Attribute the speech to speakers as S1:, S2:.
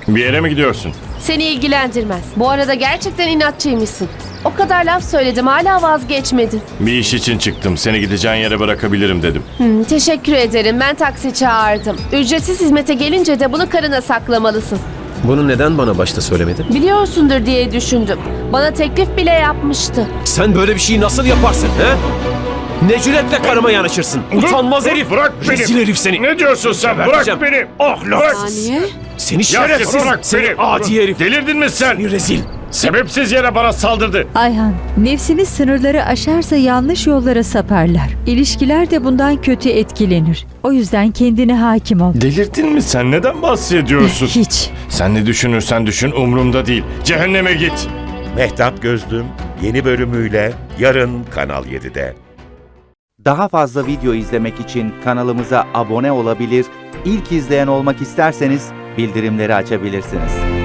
S1: Bir yere mi gidiyorsun?
S2: Seni ilgilendirmez. Bu arada gerçekten inatçıymışsın. O kadar laf söyledim, hala vazgeçmedin.
S1: Bir iş için çıktım. Seni gideceğin yere bırakabilirim dedim.
S2: Teşekkür ederim, ben taksi çağırdım. Ücretsiz hizmete gelince de bunu karına saklamalısın.
S3: Bunu neden bana başta söylemedin?
S2: Biliyorsundur diye düşündüm. Bana teklif bile yapmıştı.
S3: Sen böyle bir şeyi nasıl yaparsın he? Ne cüretle karıma yanaşırsın? Utanmaz herif!
S1: Bırak beni!
S3: Rezil herif seni!
S1: Ne diyorsun sen?
S3: Geberteceğim.
S1: Bırak beni! Ahlaksız!
S2: Saniye.
S3: Seni
S1: Ya
S3: şerefsiz!
S1: bırak
S3: Seni
S1: beni!
S3: adi herif!
S1: Delirdin mi sen?
S3: Seni rezil!
S1: Sebepsiz yere bana saldırdı.
S4: Ayhan, nefsimiz sınırları aşarsa yanlış yollara saparlar. İlişkiler de bundan kötü etkilenir. O yüzden kendine hakim ol.
S1: Delirdin mi sen? Neden bahsediyorsun?
S4: Hiç.
S1: Sen ne düşünürsen düşün, umurumda değil. Cehenneme git.
S5: Mehtap Gözlüm yeni bölümüyle yarın Kanal 7'de.
S6: Daha fazla video izlemek için kanalımıza abone olabilir, ilk izleyen olmak isterseniz bildirimleri açabilirsiniz.